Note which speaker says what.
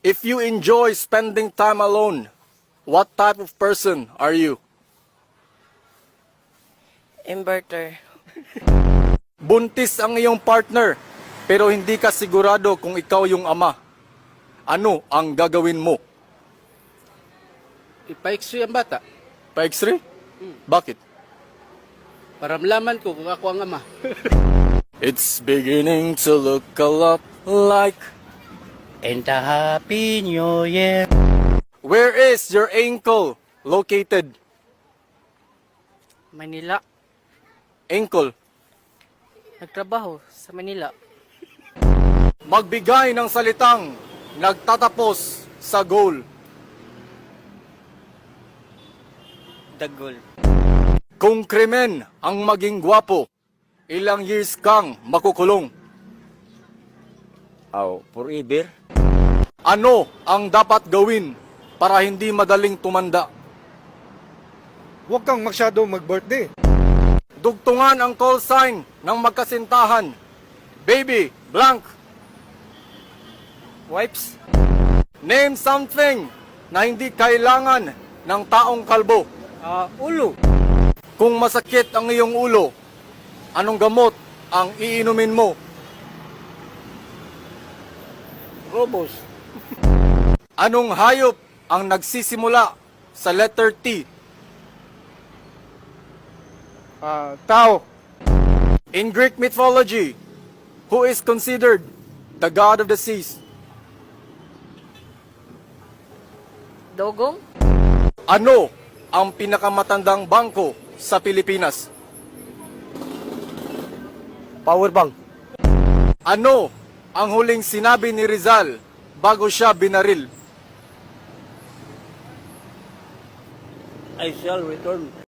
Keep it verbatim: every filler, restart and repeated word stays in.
Speaker 1: If you enjoy spending time alone, what type of person are you?
Speaker 2: Inverter.
Speaker 1: Buntis ang iyong partner, pero hindi ka sigurado kung ikaw yung ama. Ano ang gagawin mo?
Speaker 3: Ipa-X-ray ang bata
Speaker 1: Pa-X-ray? Bakit?
Speaker 3: para malaman ko kung ako ang ama.
Speaker 1: It's beginning to look a lot like...
Speaker 3: And a happy new year.
Speaker 1: Where is your ankle located?
Speaker 2: Manila.
Speaker 1: Ankle.
Speaker 2: Nagtrabaho sa Manila.
Speaker 1: Magbigay ng salitang nagtatapos sa goal.
Speaker 2: Dagol.
Speaker 1: Kung krimen ang maging gwapo, ilang years kang makukulong?
Speaker 4: Oh, forever.
Speaker 1: Ano ang dapat gawin para hindi madaling tumanda?
Speaker 5: Huwag kang masyado mag-birthday.
Speaker 1: Dugtungan ang call sign ng magkasintahan. Baby, blank.
Speaker 2: Wipes.
Speaker 1: Name something na hindi kailangan ng taong kalbo.
Speaker 2: Ah, ulo.
Speaker 1: Kung masakit ang iyong ulo, anong gamot ang iinumin mo?
Speaker 2: Robos.
Speaker 1: Anong hayop ang nagsisimula sa letter T?
Speaker 5: Ah, tao.
Speaker 1: In Greek mythology, who is considered the god of the seas?
Speaker 2: Dogong.
Speaker 1: Ano ang pinakamatandang bangko sa Pilipinas?
Speaker 4: Power bank.
Speaker 1: Ano ang huling sinabi ni Rizal bago siya binaril?
Speaker 4: I shall return.